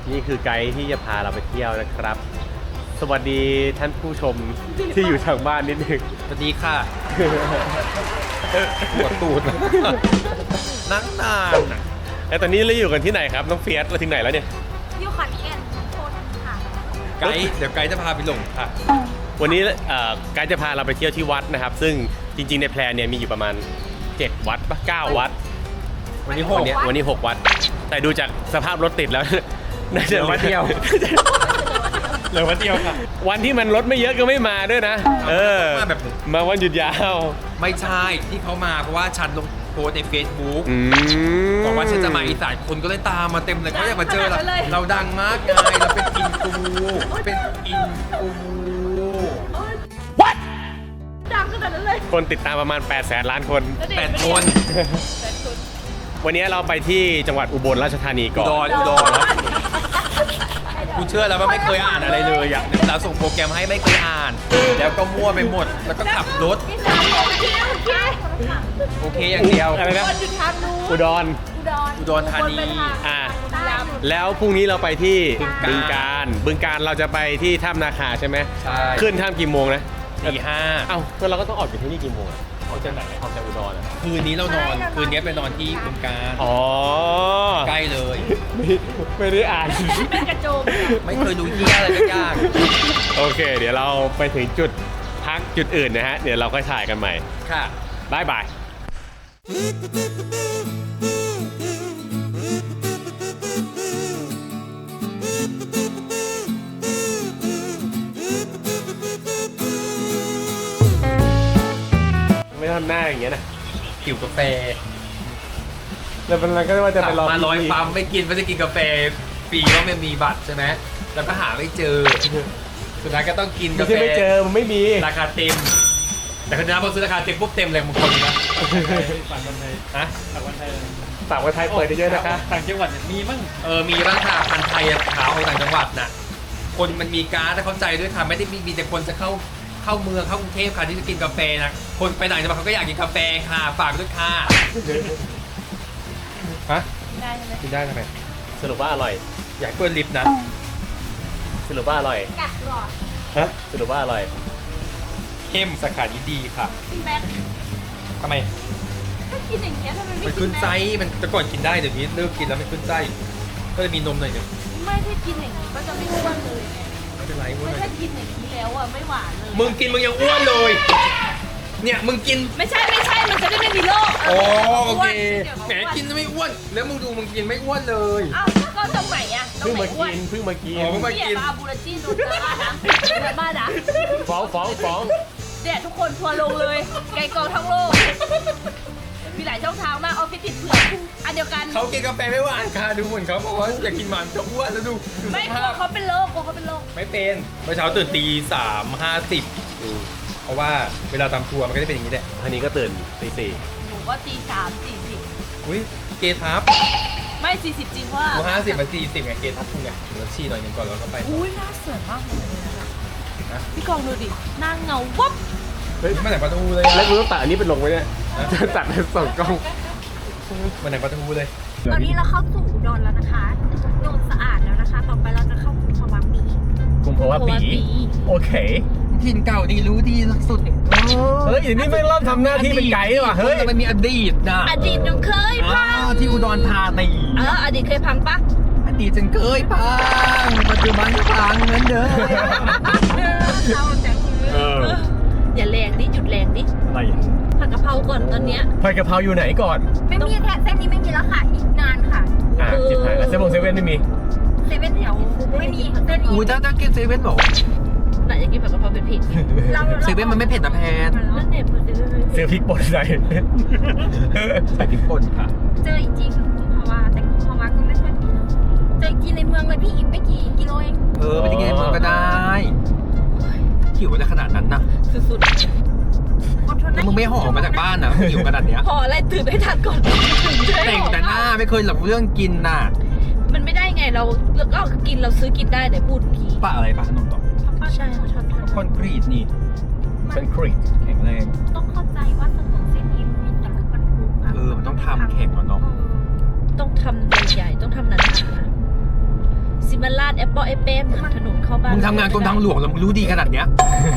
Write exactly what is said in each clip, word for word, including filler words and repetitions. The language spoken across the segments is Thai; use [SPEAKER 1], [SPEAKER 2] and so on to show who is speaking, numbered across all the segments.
[SPEAKER 1] นี่คือไกด์ที่จะพาเราไปเที่ยวนะครับ สวัสดีท่านผู้ชมที่อยู่ทางบ้านนิดนึง
[SPEAKER 2] สวัสดีค่ะปวดตูดนั่งนานอ่ะ
[SPEAKER 1] แล้วตอนนี้เราอยู่กันที่ไหนครับน้องเฟียสเราถึงไหนแล้วเนี่ย
[SPEAKER 3] อยู่ขอนแก่นโคนค่ะ
[SPEAKER 2] ไกด์เดี๋ยวไกด์จะพาไปหลงค่ะ
[SPEAKER 1] วันนี้เอ่อไกด์จะพาเราไปเที่ยวที่วัดนะครับ ซึ่งจริงๆในแพลนเนี่ยมีอยู่ประมาณเจ็ดวัดปะเก้าวัด
[SPEAKER 2] วันนี้ห
[SPEAKER 1] วั
[SPEAKER 2] ก
[SPEAKER 1] นนี้วันนี้หกวัด แต่ดูจากสภาพรถติดแล้ว น่าจะ
[SPEAKER 2] เหลือวัดเดียว เหลือวันเดียวค่ะ
[SPEAKER 1] วันที่มันรถไม่เยอะก็ไม่มาด้วยนะ เออ
[SPEAKER 2] มาแบบ
[SPEAKER 1] มาวันหยุดยาว
[SPEAKER 2] ไม่ใช่ที่เขามาเพราะว่าฉันลงโพสต์ใน Facebook
[SPEAKER 1] อืม
[SPEAKER 2] บอกว่าฉันจะมาอีสานคนก็เลยตามมาเต็มเลยเขาอยากมาเจอเราเราดังมากไงเราเป็นอินฟูเป็นอินฟู
[SPEAKER 1] What
[SPEAKER 3] ดังขนาดนั้นเลย
[SPEAKER 1] คนติดตามประมาณแปดแสนล้านคน
[SPEAKER 2] แปดคน
[SPEAKER 3] แปดคน
[SPEAKER 1] วันนี้เราไปที่จังหวัดอุบลราชธานีก่อน
[SPEAKER 2] อุดรอุดรกูเชื่อแล้วว่าไม่เคยอ่านอะไรเลยอยากเราส่งโปรแกรมให้ไม่เคยอ่าน แล้วก็มั่วไปหมด แล้วก็ขับรถ
[SPEAKER 3] ที่สามโอเคโอเค
[SPEAKER 2] โอเคอย่างเดียว
[SPEAKER 1] อะไรนะ
[SPEAKER 3] คนอยู่ทางนู้น
[SPEAKER 1] อุดร
[SPEAKER 3] อุดร
[SPEAKER 2] อุดรธานี
[SPEAKER 3] คนไปทาง
[SPEAKER 1] อ่า
[SPEAKER 3] ใต้
[SPEAKER 1] แล้วพรุ่งนี้เราไปที่
[SPEAKER 2] บึ
[SPEAKER 1] บึง
[SPEAKER 2] ง
[SPEAKER 1] กา
[SPEAKER 2] การ ร
[SPEAKER 1] บึงการเราจะไปที่ถ้ำนาคาใช่ไหม
[SPEAKER 2] ใช่
[SPEAKER 1] ขึ้นถ้ำกี่โมงนะ
[SPEAKER 2] ตีห้า
[SPEAKER 1] เอ้าก็เราก็ต้องออกจากที่นี่กี่โมงอะออกจากไหนออกจากอุดรอ่ะ
[SPEAKER 2] คืนนี้เรานอน คืนนี้ไปนอนที่บึงการ
[SPEAKER 1] อ๋อ
[SPEAKER 2] ใกล้เลย
[SPEAKER 1] ไม่ไม่ได้อ่าน
[SPEAKER 3] เป็นกระโจม
[SPEAKER 2] ไม่เคยดูเหี้ยอะไรสักอย่าง
[SPEAKER 1] โอเค เดี๋ยวเราไปถึงจุดพักจุดอื่นนะฮะ เดี๋ยวเราก็ถ่ายกันใหม่
[SPEAKER 2] ค่ะ
[SPEAKER 1] บายบาย ไม่ทำหน้าอย่างเงี้ยนะ
[SPEAKER 2] หิวกาแฟ
[SPEAKER 1] แล้วมันก็ว่าจะไปรอ
[SPEAKER 2] มาร้อย
[SPEAKER 1] พี่
[SPEAKER 2] ปั๊มไม่กินไม่ได้กินกาแฟฟรีว่ามันมีบัตรใช่ไหมแล้วก็หาไม่เจอ สุดท้ายก็ต้องกิน
[SPEAKER 1] ไม่
[SPEAKER 2] กาแฟ
[SPEAKER 1] ใช่ไม่เจอ มันไม่มี
[SPEAKER 2] ราคาเต็ม แต่คนนี้พอซื้อราคาเต็มปุ๊บเต็มเลยบางคนนะ
[SPEAKER 4] ฝั่งคนไทย
[SPEAKER 2] ฮะ
[SPEAKER 4] ฝั่งคนไทย
[SPEAKER 1] ฝากคนไทยเปิดเยอะๆนะคะ
[SPEAKER 4] ต่างจังหวัดเนี่ยมีมั้ง
[SPEAKER 2] เออ มีร้านค้าพันธุ์ไทยขาวของต่างจังหวัดน่ะ คนมันมีการ์ดแต่เข้าใจด้วยค่ะ ไม่ได้มีมีแต่คนจะเข้าเข้าเมืองเข้ากรุงเทพค่ะที่จะกินกาแฟนะ คนไปต่างจังหวัดเขาก็อยากกินกาแฟค่ะ ฝากด้วยค่ะ ฮะ
[SPEAKER 3] ได้ใช่ไหม
[SPEAKER 2] กินได้ทำไม
[SPEAKER 1] สรุปว่าอร่อย
[SPEAKER 2] อยากเปิดลิฟต์นะ
[SPEAKER 1] สรุปว่าอร่อย
[SPEAKER 3] กัดหลอด
[SPEAKER 1] ฮะ สรุปว่าอร่อย
[SPEAKER 2] เข้มสาขานี้ดีค่ะ
[SPEAKER 3] พี่แม็ก
[SPEAKER 2] ทำไม
[SPEAKER 3] ถ้ากินอย่างเงี้ยทำไมไม่
[SPEAKER 2] มัน
[SPEAKER 3] กิ
[SPEAKER 2] ขึ้น
[SPEAKER 3] แม็ก
[SPEAKER 2] ไส้มันแต่ก่อนกินได้เดี๋ยวนี้เลิกกินแล้วมันขึ้นไส้ก็จะมีนมหน่อยหนึง
[SPEAKER 3] ไม่ถ้ากินอย่างนี้ก็จะไม่อ้วนเลยไง
[SPEAKER 2] ไม่เป็นไรอ้วน
[SPEAKER 3] ไม่
[SPEAKER 2] หน่
[SPEAKER 3] ถ้า
[SPEAKER 2] อย
[SPEAKER 3] กินอย่างนี้แล้วอ่ะไม่หวานเลย
[SPEAKER 2] มึงกินมึงยังอ้วนเลย เนี่ยมึงกิน
[SPEAKER 3] ไม่ใช่ไม่ใช่มันจะได้ไม่มีโรค
[SPEAKER 2] โอ้โอเค
[SPEAKER 3] ดี๋ยว
[SPEAKER 2] แหมกินไม่อ้วน แล้วมึงดูมึงกินไม่อ้วนเลย
[SPEAKER 3] อ้าวก็ตรงไหนอ่ะตร
[SPEAKER 1] เพิ่
[SPEAKER 3] ง
[SPEAKER 1] ง
[SPEAKER 3] ไหน
[SPEAKER 1] มา
[SPEAKER 3] อ้วน
[SPEAKER 1] กิน เพิ่งมากิน
[SPEAKER 2] อ๋อเพิ่งมา
[SPEAKER 3] เนี่ยมาบูราจี้โดนเจอบ้านนะเจอบ้านนะ
[SPEAKER 1] ฟ้องฟ้องฟ้อง
[SPEAKER 3] เนี่ยทุกคนทัวร์ลงเลย ไกลกองทั้งโลก มีหลายช่องทางมากออฟฟิศติดเผือกอันเดียวกัน
[SPEAKER 2] เขากินกาแฟไม่หวานค่ะดูเหมือนเขาบอกว่าอยากกินมันจะอ้วนแล้วดูดู
[SPEAKER 3] ไม่
[SPEAKER 2] ส
[SPEAKER 3] กลั
[SPEAKER 2] ภาว พ
[SPEAKER 3] เขาเป็นโรคกลัวเขาเป็นโรค
[SPEAKER 2] ไม่เป็นเมื่อเช้าตื่นตีสามห้าสิบเพราะว่าเวลาตามทัวร์มันก็จะเป็นอย่างนี้แหละ
[SPEAKER 1] อันนี้ก็ตื่นตีสี่
[SPEAKER 3] หนูว่าตีสามสี่สิบ
[SPEAKER 2] อุ้ยเกทับ
[SPEAKER 3] ไม่สี่สิบจริงว่า
[SPEAKER 2] กูห้าสิบมาสี่สิบไงเกทับคุณไงเดี๋ยวชี้หน่อยหนึงก่อนแล้วก็ไป
[SPEAKER 3] อุ้ยหน้าสวยมากเลยนะ
[SPEAKER 2] นะ
[SPEAKER 3] พี่กองดูดิหน้าเงาวับ
[SPEAKER 1] เฮ้ย
[SPEAKER 2] มาไหนปลาทูเลย
[SPEAKER 1] แล้วกูต้องตัดอันนี้เป็นลงไว้เนี่ยจะตัดเป็นสองกล้อง
[SPEAKER 2] มาไหนปลาทูเลย
[SPEAKER 3] ตอนนี้เราเข้าสู่อุดรแล้วนะคะโดนสะอาดแล้วนะคะ ต่อไปเราจะเข้ากรุงพวังปี
[SPEAKER 1] กุมภาวะปี โอเค
[SPEAKER 2] ถิ่นเก่าดีรู้ดีสุด
[SPEAKER 1] เฮ้ยอย่างนี้ไม่เริ่มทำหน้าที่เป็นไกด์ว่ะ เฮ้ย
[SPEAKER 2] มันมีอดีตนะ
[SPEAKER 3] อดีตยังเคย
[SPEAKER 2] อ่า
[SPEAKER 3] พัง
[SPEAKER 2] ที่อุดรธานี
[SPEAKER 3] เอออดีตเคยพังปะ
[SPEAKER 2] อดีตฉันเคยพังปัจจุบันก็พังเหมือนเดิม
[SPEAKER 3] เราจัง
[SPEAKER 1] เออ
[SPEAKER 3] อย่าแรงดิหยุดแรงดิ
[SPEAKER 1] อะไร
[SPEAKER 3] ผัดกะเพราก่อนตอนเนี้ย
[SPEAKER 1] ผัดกะเพราอยู่ไหนก่อน
[SPEAKER 3] ไม่มีแค่เส้นนี้ไม่มีแล้วค่ะอีกนานค่ะ
[SPEAKER 1] อ่าจิบหายแล้วเซเว่นเซเว่นไม่มี
[SPEAKER 3] เซเว่นแถวไม่มีเส้น
[SPEAKER 2] อุ้ย
[SPEAKER 3] นี้
[SPEAKER 2] ถ้าถ้ากินเซเว่นบอก
[SPEAKER 3] ไหนจะกินผัดกะเพราเป็นผิด
[SPEAKER 2] เซเว่นมันไม่เผ็ดนะแพน
[SPEAKER 3] นั่นเนี่ยเซเว่นไม่
[SPEAKER 1] ซื้อพริกป่นใส่
[SPEAKER 2] ใส่พริกป่นค่ะ
[SPEAKER 3] เจออีกจริงกุมภาวะแต่กุมภาวะก็ไม่ค่อยมีเจออีกทีในเมืองเลยพี่อีกไม่กี่กิโลเอง
[SPEAKER 2] เออไปกินในเมืองก็ได้หิวอะไรขนาดนั้นนะ
[SPEAKER 3] สุดๆอดทน
[SPEAKER 2] แล้
[SPEAKER 3] นะ
[SPEAKER 2] วมึงไม่ห่อมาจากบ้านนะหิวขนาดเนี้ย
[SPEAKER 3] ห่ออะไรตื่นให้ทันก่อนตื่นจะได้
[SPEAKER 2] แต่ง
[SPEAKER 3] ห่อ
[SPEAKER 2] แต่หน้าไม่เคยหลับเรื่องกินน่ะ
[SPEAKER 3] มันไม่ได้ไงเราเราก็กินเราซื้อกินได้ไหนพูดกี้
[SPEAKER 2] ปะอะไรปะขนมตอก
[SPEAKER 3] ใช่เขาชอบทำ
[SPEAKER 2] คอนกรีตนี่
[SPEAKER 1] เป็นครีต
[SPEAKER 2] แข็งแรง
[SPEAKER 3] ต้องเข้าใจว่าถนนเส้นนี้มีแต่รถบรรทุกะ
[SPEAKER 2] เออมันต้องทำแข็งอะเนาะ
[SPEAKER 3] ต้องทำใหญ่ๆต้องทำหนาๆซีเมมันลาดแอปเปิลแอปเปิ้ลเหมือนถนนเข้าบ้าน
[SPEAKER 2] มึงทำงานกรมทางหลวงแล้วมึงรู้ดีขนาดเนี้ย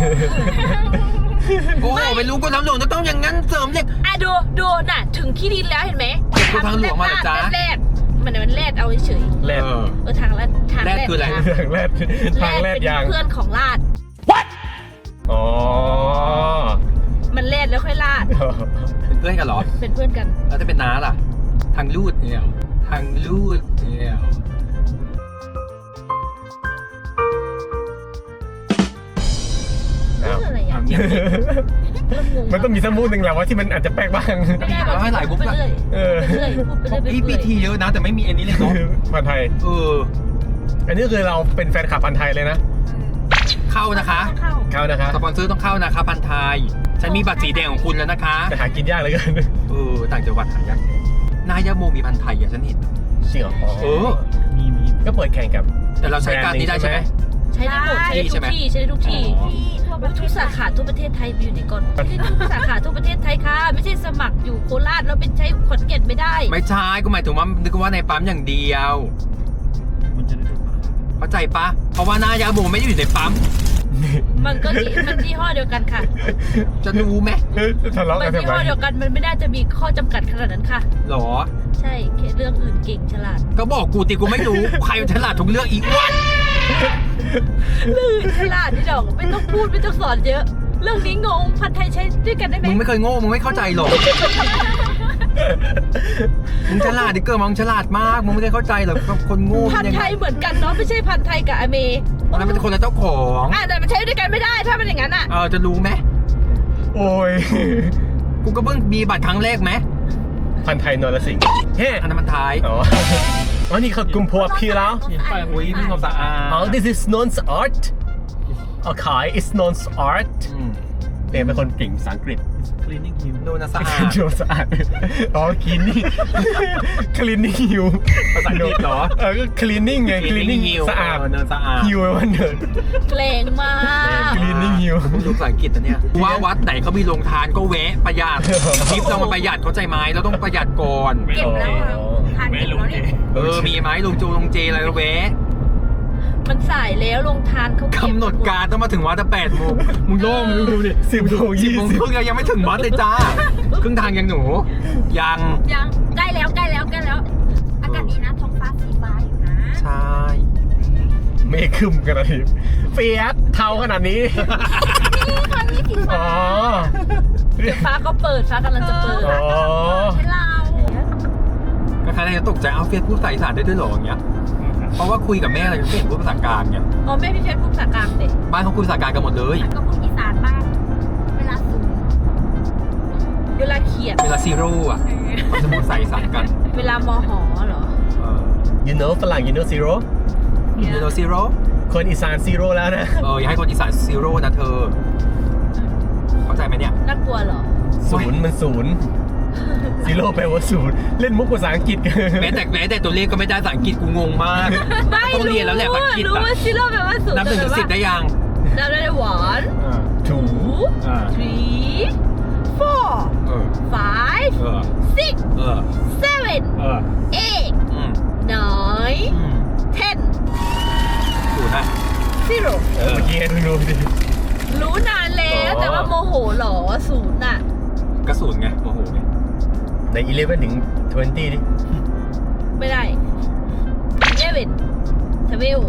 [SPEAKER 2] โอ้ไม่รู้กรมทางหลวงต้องอย่างนั้นเสริมเหล็ก
[SPEAKER 3] อ่ะดูดูน่ะถึงที่ดินแล้วเห็นไหม
[SPEAKER 2] เก็บกรมทางหลวงมาเหรอจ๊ะ
[SPEAKER 3] แรดมันมันแรดเอาเฉย
[SPEAKER 1] แรด
[SPEAKER 2] เออ
[SPEAKER 3] ๆเออทางแรดทาง
[SPEAKER 2] แรดคืออะไร
[SPEAKER 3] ยาง
[SPEAKER 1] ทางแรดทางแรดยาง
[SPEAKER 3] เป็นเพื่อนของลาด
[SPEAKER 1] อ๋อ
[SPEAKER 3] มันแรดแล้วค่อยลาด
[SPEAKER 2] เป็นเพื่อนกันเหรอ
[SPEAKER 3] เป็นเพื่อนกัน
[SPEAKER 2] แล้วจะเป็นน้าล่ะ ทางลูดเนี่ยทางลูดเนี่ย
[SPEAKER 3] เรื่องอะไรอ่ะ
[SPEAKER 2] ทำเงี้ย
[SPEAKER 3] เริ่มงง
[SPEAKER 1] มันต้องมีสักมูดหนึ่งแหละว่าที่มันอาจจะแปลกบ้าง
[SPEAKER 3] ไม่ได้
[SPEAKER 2] แล้วให้หลายบุ๊ก
[SPEAKER 3] ไป
[SPEAKER 2] ละ
[SPEAKER 3] เรื่อย
[SPEAKER 1] เออ
[SPEAKER 3] ไปเรื่อยพูดไปเรื่อยไป
[SPEAKER 2] พี่พี
[SPEAKER 3] เรื่อย
[SPEAKER 2] ทีเยอะนะ แต่ไม่มีอันนี้เลยเนาะ
[SPEAKER 1] พันไทย
[SPEAKER 2] เออ
[SPEAKER 1] อันนี้คือเราเป็นแฟนคลับพันไทยเลยนะ
[SPEAKER 2] เข้านะคะ
[SPEAKER 3] เข้า
[SPEAKER 1] เข้านะครับ
[SPEAKER 2] สปอนเซอร์ต้องเข้านะคะพันไทย ฉันมีบัตรสีแดงของคุณแล้วนะคะ
[SPEAKER 1] แต่หากินยากเหลือเกิน
[SPEAKER 2] เออ ต่างจังหวัดหายากนายาโมมีพันไทยอ่ะฉันเห็น
[SPEAKER 1] จริงเหรอ
[SPEAKER 2] เออ
[SPEAKER 4] มีมี
[SPEAKER 1] ก็เปิดแข่งกับ
[SPEAKER 2] แต่เราใช้การนี้ได้ใช่ไหม
[SPEAKER 3] ใช้ได้หมดใช้ได้ทุกที่ใช้ได้ทุกที่
[SPEAKER 2] อ๋อ
[SPEAKER 3] ทุกสาขาทั่วประเทศไทยมีอยู่ในก่อนไม่ใช่ทุกสาขาทั่วประเทศไทยค่ะ ไม่ใช่สมัครอยู่โคราชแล้วเป็นใช้ขอนแก่นไม่ได้
[SPEAKER 2] ไม่ใช่ก็หมายถึงว่านึกว่าในปั๊มอย่างเดียว
[SPEAKER 4] มันจะได้ดู
[SPEAKER 2] เข้าใจปะเพราะว่านายาโมไม่ได้อยู่ในปั๊ม
[SPEAKER 3] มันก็ยี่มันยี่ห้อเดียวกันค่ะ
[SPEAKER 2] จะรู้ไหม
[SPEAKER 1] ทะเลาะ
[SPEAKER 3] มั
[SPEAKER 1] กัน
[SPEAKER 3] น
[SPEAKER 1] ทำ
[SPEAKER 3] ยี่
[SPEAKER 1] ไม
[SPEAKER 3] ห้อเดียวกันมันไม่น่าจะมีข้อจำกัดขนาดนั้นค่ะ
[SPEAKER 2] หรอ
[SPEAKER 3] ใช่แค่เรื่องอื่นเก่งฉลาด
[SPEAKER 2] ก็บอกกูติกูไม่รู้ ใครมันฉลาดทุกเรื่องอีกวัน
[SPEAKER 3] เรื่องอื่นฉลาดที่ดอกไม่ต้องพูดไม่ต้องสอนเยอะ เรื่องนี้งงพันไทยใช้ด้วยกันได้ไหม
[SPEAKER 2] มึงไม่เคยโง่ มึงไม่เข้าใจหรอก มึงฉลาดดิเกิร์มึงฉลาดมาก มึงไม่ได้เข้าใจหรอกคนโง่
[SPEAKER 3] พันไทยเหมือนกันเนาะไม่ใช่พันไทยกับอเม
[SPEAKER 2] อันนั้นเป็นคนละเจ้าของ
[SPEAKER 3] อ่ะแต่มันใช้ด้วยกันไม่ได้ถ้ามันอย่างนั้นอ่ะ
[SPEAKER 2] เออจะรู้ไหม
[SPEAKER 1] โอ้ย
[SPEAKER 2] กูก็เพิ่งมีบัตรครั้งแรกไหม
[SPEAKER 1] พันไทยนรสิงห์เฮ้
[SPEAKER 2] อันนั้นมันท้าย
[SPEAKER 1] อ๋ออ๋อนี่เขากุมภาวะพี่แล้ว
[SPEAKER 4] เห็นป้าย
[SPEAKER 2] อุ้ยมีความสะอาด
[SPEAKER 1] อ๋อ this is non's art อ๋อขาย is non's art
[SPEAKER 2] อืม
[SPEAKER 1] เนี่ยเป็นคนเก่งภาษาอังกฤษ
[SPEAKER 4] cleaning hill
[SPEAKER 2] ดูนะสะอาด
[SPEAKER 1] ดูสะอาด อ๋อ cleaning cleaning hill
[SPEAKER 2] ภาษาอังกฤษเหรอ
[SPEAKER 1] เออก็ cleaning ไง cleaning สะอาด
[SPEAKER 2] เนินสะอาด
[SPEAKER 1] hill แปลว่าเนิน
[SPEAKER 3] เกรงมาก
[SPEAKER 1] cleaning hill
[SPEAKER 2] มึงดูภาษาอังกฤษนะเนี่ยว่าวัดไหนเขามีโรงทานก็แวะประหยัดทริปเรามาประหยัดเข้าใจไหมเราต้องประหยัดก่อน
[SPEAKER 3] เก็บแล้วอะทานเก็บแล้วเนี่ย
[SPEAKER 2] เออ มีไหมลงจูลงเจอะไรก็แวะ
[SPEAKER 3] มันสายแล้วลงทานเขาเก็บ
[SPEAKER 2] กำหนดการต้องมาถึงวัดแต่แปดโมงมึงโล่งมึงดูดิ
[SPEAKER 1] สิบโมง
[SPEAKER 2] สิบ
[SPEAKER 1] ยี่
[SPEAKER 2] โมง
[SPEAKER 1] สิบ
[SPEAKER 2] ครึ่งยังไม่ถึงวัดเลยจ้า ครึ่งทางยังหนู ยัง
[SPEAKER 3] ยังใกล้แล้วใกล้แล้วใกล้แล้ว อากาศดีนะท้องฟ้าสีฟ้าอยู่นะ
[SPEAKER 2] ใช่
[SPEAKER 1] เมฆครึมขนาดนี้เฟียสเทาขนาดนี้
[SPEAKER 3] นี่ตอนนี้สี
[SPEAKER 1] อ๋
[SPEAKER 3] ฟ้า
[SPEAKER 1] อ
[SPEAKER 3] เดี๋ยวฟ้าก็เปิดฟ้ากำลังจะเปิด
[SPEAKER 1] อ๋อ
[SPEAKER 3] ให้เรา
[SPEAKER 2] ก็ใครจะตกใจเอาเฟียสพูดภาษาอีสานได้ด้วยเหรออย่างเงี้ย เพราะว่าคุยกับแม่อะไรก็ไม่เห็นพูดภาษากลางเนี่ย
[SPEAKER 3] อ๋อแม่พี่เพชรพูดภาษากลางเด็ก
[SPEAKER 2] บ้านเขาคุยภาษากลางกันหมดเลย
[SPEAKER 3] ก็พูดอีสานบ้างเวลาสูงเวลาเขียน
[SPEAKER 2] เวลาซีโร่อะเขาจะพูดภาษาอีสานกัน
[SPEAKER 3] เวลามหเหรอ
[SPEAKER 2] เออ
[SPEAKER 1] you know ฝรั่ง you know zero
[SPEAKER 2] เวลาซีโร่
[SPEAKER 1] คนอีสาน zero แล้วนะ
[SPEAKER 2] เอออย่าให้คนอีสานซีโร่นะเธอ เข้าใจไหมเนี่ย
[SPEAKER 3] น่ากลัวเหรอ
[SPEAKER 1] ศูนย์มันศูนย์ zero แปลว่าศูนย์เล่นมุกภาษาอังกฤษกัน
[SPEAKER 2] แม้แต่แม้แต่ตัวเลขก็ไม่ได้ภาษาอังกฤษกูงงมาก
[SPEAKER 3] ไม่
[SPEAKER 2] ต้อง
[SPEAKER 3] รู้
[SPEAKER 2] เรียนแล้วแหละภาษาอังกฤษ
[SPEAKER 3] รู้
[SPEAKER 2] อะ
[SPEAKER 3] ว่าซิโร่แปลว่าสูง
[SPEAKER 2] นับหนึ่งถึงสิบได้ยัง
[SPEAKER 3] นับได้หวาน
[SPEAKER 1] two
[SPEAKER 3] two
[SPEAKER 2] อ่า
[SPEAKER 3] three four
[SPEAKER 2] เออ
[SPEAKER 3] five
[SPEAKER 2] เออ
[SPEAKER 3] six
[SPEAKER 2] เออ
[SPEAKER 3] seven
[SPEAKER 2] เออ
[SPEAKER 3] eight
[SPEAKER 2] อืม
[SPEAKER 3] nine
[SPEAKER 2] อืม
[SPEAKER 3] ten
[SPEAKER 2] ถูกนะ
[SPEAKER 3] zero
[SPEAKER 1] เออเมื่อกี้ให้ดูดิ
[SPEAKER 3] รู้นานแล้ว
[SPEAKER 1] อ๋อ
[SPEAKER 3] แต่ว่าโมโหเหรอศูนย์น่ะ
[SPEAKER 2] กระสุนไงโมโหไง
[SPEAKER 1] ใน eleven ถึง twenty ดิ
[SPEAKER 3] ไม่ได้ eleven twelve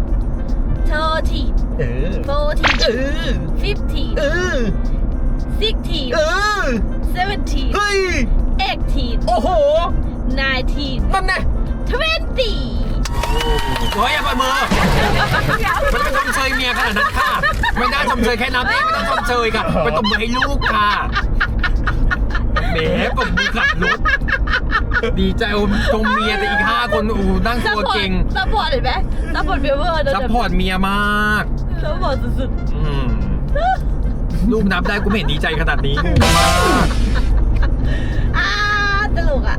[SPEAKER 3] thirteen
[SPEAKER 1] เออ
[SPEAKER 3] fourteen
[SPEAKER 1] เออ
[SPEAKER 3] fifteen
[SPEAKER 1] เออ
[SPEAKER 3] sixteen
[SPEAKER 1] เออ
[SPEAKER 3] seventeen
[SPEAKER 1] เฮ้ย
[SPEAKER 3] eighteen
[SPEAKER 1] โอ้โห
[SPEAKER 3] nineteen
[SPEAKER 1] นั่นแน่
[SPEAKER 3] twenty
[SPEAKER 2] โอ้ยอย่าปล่อยมือมันไม่ต้องชมเชยเมียขนาดนั้นค่ะ ไม่ได้ชมเชยแค่นั้นเองไม่ต้องชมเชยค่ะ ไปตบมือให้ลูกค่ะแหมปบมือขับรถ ดีใจอมชมเมียแต่อีกห้าคนโอ้นั่งตัวเก่ง
[SPEAKER 3] ซัพพอร์ตเห็นไหมซัพพอร์ตเบเวอร์
[SPEAKER 2] ซัพพอร์ตเมียมาก
[SPEAKER 3] ซัพพอร์ตสุด
[SPEAKER 2] อืมลูกนับได้กูไม่เห็นดีใจขนาดนี้งงมาก
[SPEAKER 3] ๆอ่าตลกอ่ะ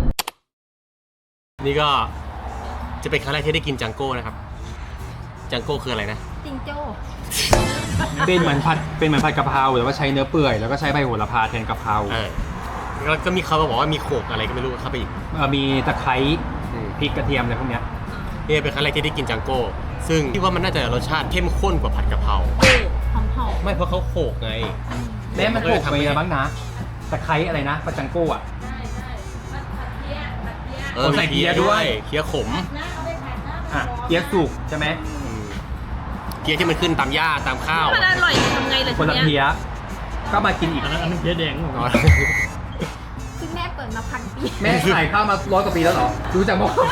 [SPEAKER 1] นี่ก็จะเป็นครั้งแรกที่ได้กินจังโก้นะครับ จังโก้คืออะไรนะ
[SPEAKER 3] จิงโจ้
[SPEAKER 2] เป็นเหมือนผัดเป็นเหมือนผัดกะเพราแต่ว่าใช้เนื้อเปื่อยแล้วก็ใช้ใบโหระพาแทนกะเพรา
[SPEAKER 1] เออแล้วก็มีเขามาบอกว่ามีโขกอะไรก็ไม่รู้เข้าไปอีก
[SPEAKER 2] เอ่อมีตะไคร้
[SPEAKER 1] อืม
[SPEAKER 2] พริกกระเทียมอะไรพวกเนี้ย
[SPEAKER 1] จนี่เป็นครั้งแรกที่ได้กินจังโก้ซึ่งที่ว่ามันน่าจะรสชาติเข้มข้นกว่าผัดกะเพรา
[SPEAKER 3] เออหอมหอม
[SPEAKER 1] ไม่เพราะเขาโขกไง
[SPEAKER 2] แม่มันโขกไปอะไรบ้างนะตะไคร้อะไรนะปาจังโก้อะ
[SPEAKER 3] ใช่ใช่ผัดผัดเพี้ยผัดเพี้ย
[SPEAKER 1] เออ
[SPEAKER 2] ใส่เกี๊ยด้วย
[SPEAKER 1] เกี๊ยขม
[SPEAKER 3] นะเอาไปผัดหน้า
[SPEAKER 2] อ่ะ
[SPEAKER 3] มันร้อน
[SPEAKER 2] เกี๊ยวสุกใช่ไหม
[SPEAKER 1] อืมเกี๊ยที่มันขึ้นตามหญ้าตามข้าว
[SPEAKER 3] มันอร่อยทำไงล่ะ
[SPEAKER 2] คนละ
[SPEAKER 3] ที
[SPEAKER 2] เพี้
[SPEAKER 3] เนี้ย
[SPEAKER 2] ยก็มากินอีก
[SPEAKER 4] อันนั้นอันนั้นเพี้ยแดงหรอ
[SPEAKER 1] อ๋อ
[SPEAKER 3] ซึ่งแม่เปิดมาพันปี
[SPEAKER 2] แม่ขายข้าวมาร้อยกว่าปีแล้วเหรอดูจากหม้อ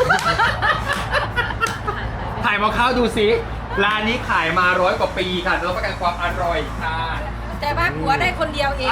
[SPEAKER 2] ถ่ายหม้อข้าวดูสิร้านนี้ขายมาร้อยกว่าปีค่ะรับประกันความอร่อยค่ะ
[SPEAKER 3] แต่ว่าผัวได้คนเดียวเอง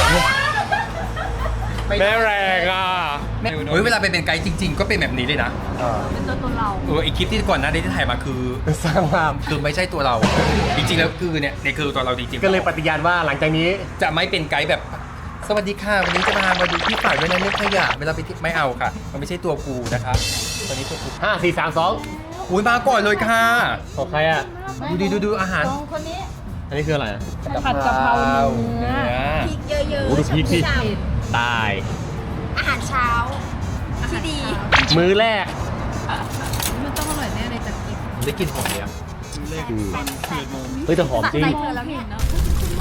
[SPEAKER 1] แม่แรงอ่ะ
[SPEAKER 2] เฮ้ยเวลาไปเป็นไกด์จริง ๆ ก็เป็นแบบนี้เลยนะ
[SPEAKER 3] เป็นตัวตนเรา
[SPEAKER 2] เออไอคลิปที่ก่อนหน้านี้ที่ถ่ายมาคือ
[SPEAKER 1] สร้างภาพ
[SPEAKER 2] คือไม่ใช่ตัวเรา จริงๆแล้วคือเนี่ยเนี่ยคือตัวเราจริงๆ
[SPEAKER 1] ก็เลยปฏิญาณว่าหลังจากนี้
[SPEAKER 2] จะไม่เป็นไกด์แบบ สวัสดีค่ะวันนี้จะพามาดูที่ฝากด้วยนะเรื่องขยะเวลาไปที่ไม่เอาค่ะ มันไม่ใช่ตัวกูนะคะตอนนี้ตัวกู
[SPEAKER 1] ห้าสี่สามสอง
[SPEAKER 2] อุ้ยมาก่อนเลยค่ะ
[SPEAKER 1] ของใครอ่ะ
[SPEAKER 2] ดูดิดูดูอาหาร
[SPEAKER 3] สองคนนี้
[SPEAKER 1] อันนี้คืออะไรอะ
[SPEAKER 3] ผัดกะเพราเนื้อ
[SPEAKER 2] เนื้อ
[SPEAKER 3] พริกเยอะ
[SPEAKER 1] โอ้ดูพริกดิ
[SPEAKER 3] ฉ่
[SPEAKER 1] ตาย
[SPEAKER 3] ำอาหารเช้าที่ดี
[SPEAKER 1] มื้อแรก
[SPEAKER 3] มันต้องอร่อยแน่เลยจากกิน
[SPEAKER 2] ได้กลินหอมเลยอะ
[SPEAKER 4] เลขตอนสิบเอ็ดโมง
[SPEAKER 1] เฮ้ยแต่หอมจริง
[SPEAKER 3] ใจเธอแล้วเนี่ยเนาะ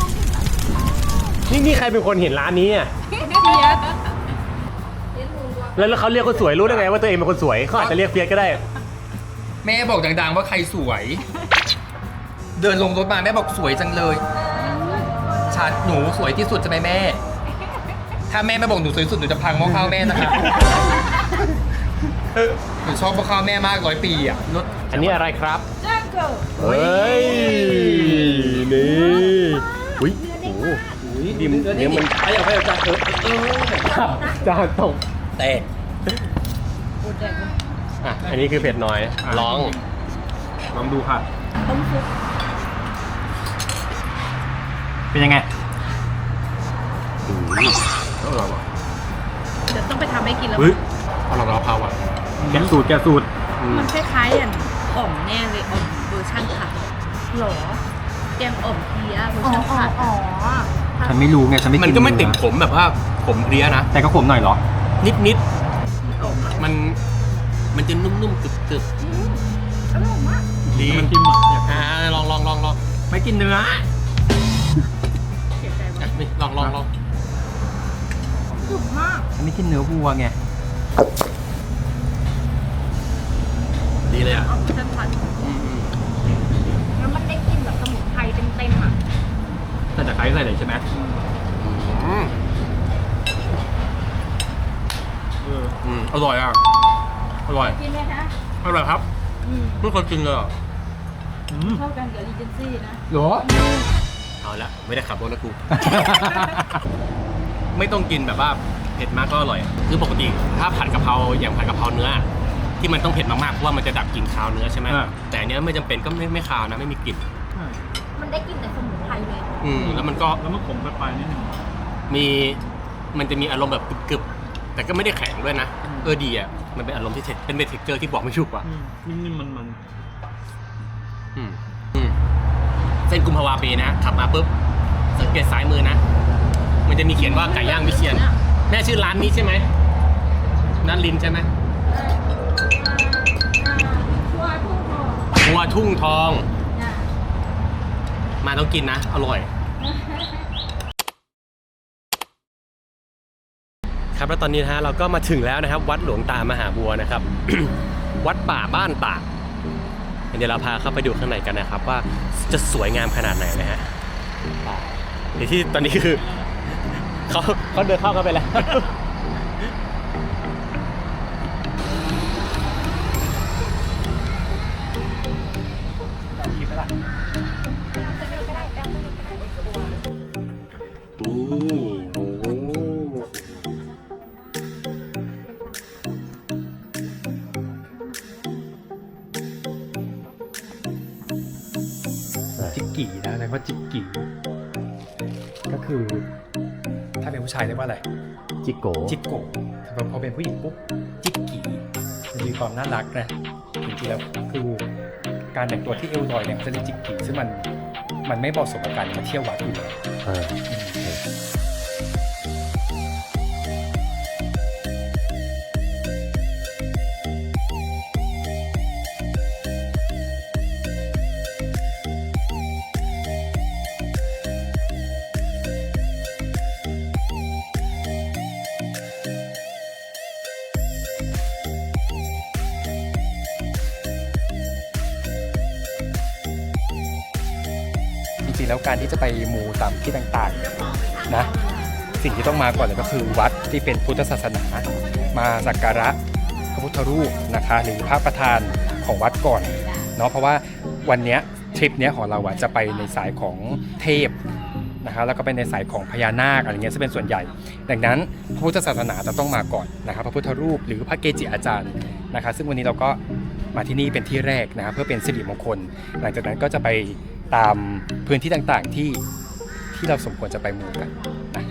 [SPEAKER 1] นี่นี่ใครเป็นคนเห็นร้านนี้อ่ะ
[SPEAKER 3] เพียส
[SPEAKER 1] แล้วแล้วเขาเรียกคนสวยรู้ได้ไงว่าตัวเองเป็นคนสวยเขาอาจจะเรียกเฟียสก็ได้
[SPEAKER 2] แม่บอกดังๆว่าใครสวย เดินลงรถมาแม่บอกสวยจังเลยชาดหนูสวยที่สุดใช่ไหมแม่ ถ้าแม่ไม่บอกหนูสวยที่สุดหนูจะพังหม้อข้าวแม่นะคะหนูชอบหม้อข้าวแม่มากร้อยปีอ่ะรถ
[SPEAKER 1] อันนี้อะไรครับ
[SPEAKER 3] จ้างเกิด
[SPEAKER 1] เฮ้ย นี่อุ้ยโอ้โหดิมเนี่ยมัน
[SPEAKER 2] ไปเอาไปเอาจานเถอะเออ
[SPEAKER 1] ขับจานตก
[SPEAKER 2] แต่
[SPEAKER 1] อ่ะ อันนี้คือเผ็ดน้อย ลอง
[SPEAKER 2] ลองดูค่ะ
[SPEAKER 3] ต้มซุป
[SPEAKER 2] เป็นยังไง
[SPEAKER 1] อืมอร่อยว่ะ
[SPEAKER 3] เดี๋ยวต้องไปทำให้กินแล้ว
[SPEAKER 1] เฮ้ยอร่อยกว่าเพราอ่ะ
[SPEAKER 2] แกะสูตรแกะสูตร
[SPEAKER 1] อืม
[SPEAKER 3] มันคล้ายๆอย่างอ่อมแน่เลยอ่อมเวอร์ชันผัดหรอแกงอ่อมเพี้ยเวอร์ชันผัดอ๋อ
[SPEAKER 2] ฉันไม่รู้ไงฉันไม่กิน
[SPEAKER 1] มันก็ไม่ติดขมแบบว่าขมเพลียนะ
[SPEAKER 2] แต่ก็ขมหน่อยเหรอ
[SPEAKER 1] นิดนิดๆมัน มันจะนุ่มๆกรึบ
[SPEAKER 3] อร่อยมาก
[SPEAKER 1] ๆดี
[SPEAKER 4] มันกินหมดเนี่ย
[SPEAKER 1] อ่าลองลองลองลอง
[SPEAKER 2] ไม่กินเนื้อ
[SPEAKER 3] เสียใจ
[SPEAKER 1] อ่ะ
[SPEAKER 3] มาก
[SPEAKER 1] นี่ลองลองลอง
[SPEAKER 3] สุกมาก
[SPEAKER 2] ฉันไม่กินเนื้อวัวไง
[SPEAKER 1] ดีเลยอ่ะ
[SPEAKER 3] อ่อมเวอร์ชันผัด
[SPEAKER 1] อืมอืม
[SPEAKER 3] แล้วมันได้กลินแบบสมุนไพรเต็มๆอ่ะ
[SPEAKER 2] แต่จะใช้ใส่เลยใช่ไหม
[SPEAKER 1] อืม
[SPEAKER 4] เออ
[SPEAKER 1] อืมอร่อยอ่ะ อร่อย
[SPEAKER 3] กินไหมคะ
[SPEAKER 1] อร่อยครับ
[SPEAKER 3] อืม
[SPEAKER 1] ไม่เคยกินเลยอ่ะ
[SPEAKER 4] อืม
[SPEAKER 3] เข้ากันกับรีเจนซี่นะ
[SPEAKER 2] หรอ
[SPEAKER 1] เอาละไม่ได้ขับรถนะกู ไม่ต้องกินแบบว่าเผ็ดมากก็อร่อย คือปกติถ้าผัดกะเพราอย่างผัดกะเพราเนื้อ ที่มันต้องเผ็ดมากๆเพราะว่ามันจะดับกลิ่นคาวเนื้อใช่ไหม
[SPEAKER 2] อ่า
[SPEAKER 1] แต่อันเนี้ยไม่จำเป็นก็ไม่ไม่คาวนะไม่มีกลิ่น
[SPEAKER 4] ใช่
[SPEAKER 3] มันได้กลินแต่สมุนไพรเลย
[SPEAKER 1] อืมแล้วมันก็
[SPEAKER 4] แล้วมันขมไปปลายนิดนึง
[SPEAKER 1] มีมันจะมีอารมณ์แบบกรึบๆแต่ก็ไม่ได้แข็งด้วยนะเออดีอ่ะมันเป็นอารมณ์ที่เทเป็นเป็นเทคเจอร์ที่บอกไม่ถูกว่ะ
[SPEAKER 4] อืมนิ่มๆมันมัน
[SPEAKER 1] อืมอืมเส้นกุมภาวาปีนะขับมาปุ๊บสังเกตซ้ายมือนะ มันจะมีเขียนว่าไก่ย่างวิเชียนแม่ชื่อร้านนี้ใช่ไหมนันลินใช่ไหม
[SPEAKER 3] ชัวร์ทุ่งทอง
[SPEAKER 1] ครัวทุ่งทอง
[SPEAKER 3] จ้ะ
[SPEAKER 1] มาต้องกินนะ อร่อย ครับแล้วตอนนี้นะฮะเราก็มาถึงแล้วนะครับ วัดหลวงตามหาบัวนะครับ วัดป่าบ้านตากเดี๋ยวเราพาเข้าไปดูข้างในกันนะครับ ว่าจะสวยงามขนาดไหนนะฮะเดี๋ยวที่ตอนนี้คือ เขาเขาเดินเข้ากันไปแล้ว
[SPEAKER 2] จิกกี่นะแล้วก็จิกกี่ก็คือ ถ้าเป็นผู้ชายเรียกว่าอะไร
[SPEAKER 1] จิโก
[SPEAKER 2] จิกโกะแต่พอเป็นผู้หญิงปุ๊บจิกกี่มันมีความน่ารักนะจริงๆแล้วคือการแต่งตัวที่เอวลอยเนี่ยเขาจะเรียกจิกกี่ซึ่งมันมันไม่เหมาะสมกับการมาเที่ยววัดอยู่แล้ว
[SPEAKER 1] อ่า
[SPEAKER 5] งๆแล้วการที่จะไปมูตามที่ต่างๆนะสิ่งที่ต้องมาก่อนเลยก็คือวัดที่เป็นพุทธศาสนามาสักการะพระพุทธรูปนะคะหรือพระประธานของวัดก่อนเนาะเพราะว่าวันเนี้ยทริปเนี้ยของเราอะจะไปในสายของเทพนะคะแล้วก็เป็นในสายของพญานาคอะไรเงี้ยจะเป็นส่วนใหญ่ดังนั้นพระพุทธศาสนาจะต้องมาก่อนนะครับพระพุทธรูปหรือพระเกจิอาจารย์นะคะซึ่งวันนี้เราก็มาที่นี่เป็นที่แรกนะครับเพื่อเป็นสิริมงคลหลังจากนั้นก็จะไปตามพื้นที่ต่างๆที่ที่เราสมควรจะไปมูกันนะ